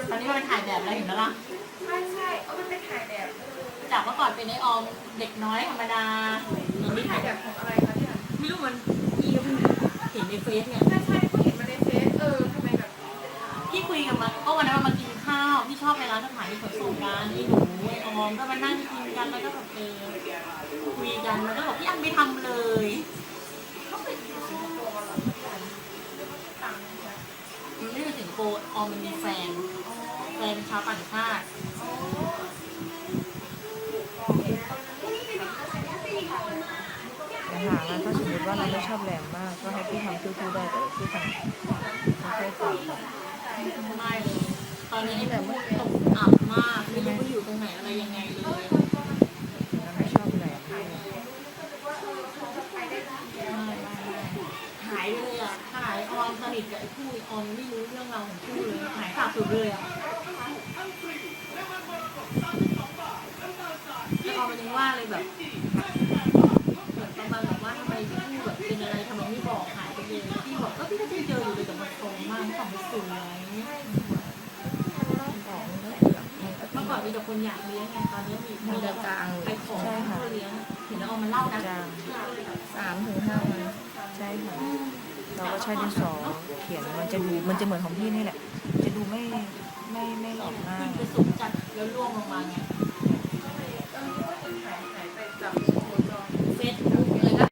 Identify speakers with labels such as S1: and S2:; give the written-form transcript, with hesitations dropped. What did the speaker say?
S1: ตอนนี้มันเป็นถ่ายแบบแล้วเห็นไหมล่ะ
S2: ใช่มันเป็นถ่ายแบบ
S1: จากเมื่อก่อนเป็นไอออมเด็กน้อยธรรมดาเดี๋ยวนี้
S2: ถ่ายแบบของอะไรคะเนี่ย
S1: ไม่รู้มันพี่ก็เพิ่งเห็นในเฟซไง
S2: ใช่ก็เห็นมาในเฟซทำไมแบบ
S1: พี่คุยกับมันก็วันนั้นมันมากินข้าวพี่ชอบไปร้านสถานีขนส่งกันไอ้หนูไอออมก็มานั่งกินกันแล้วก็แบบคุยกันมันก็บอกพี่อันไม่ทำเลย
S2: เขาเป็นสิงคโปร์เหรอต่างกัน
S1: มันไม่เป็นสิงคโปร์ออมมันมีแฟนเป็นชาวต่างชาติ
S3: แต่หาแล้วถ้าสมมติว่าเราไม่ชอบแรงมากก็ให้พี่ทำทู่ๆได้แต่พี่ทำไม่ค่อยต่ำ
S1: ไม่เลยตอนนี้แบบตกอับมากไม่รู้ว่าอยู่ตรงไหนอะไรยังไงเลย
S3: แล้วไม่ชอบแรงด้วย
S1: หายไปเลยอ่ะหายออมสนิทกับไอ้คู่ออมไม่รู้เรื่องราวของคู่เลยหายขาดสุดเลยอ่ะแล้วออมมันยังว่าเลยแบบเหมือนประมาณแบบว่าทำไมคู่แบบเป็นอะไรทำไมไม่บอกหายไปเลยพี่บอกก็พี่ก็เจออยู่เลยแต่มันตรงมากสองสวยเมื่อก่อนมีแต่คนอยากเลี้ยงไงตอนนี้มีแต่กลางไปขอเขาเลี้ยงเห็นแล้วออมมันเล่านะ
S3: จาง3 ถึง 5 วันใช่ค่ะเราก็ใช้ดินสอเขียนมันจะเหมือนของพี่นี่แหละจะดูไม่หลอกง่าย
S1: ขึ้นไปสูงจัดแล้วร่วงลงมาไงเฟซ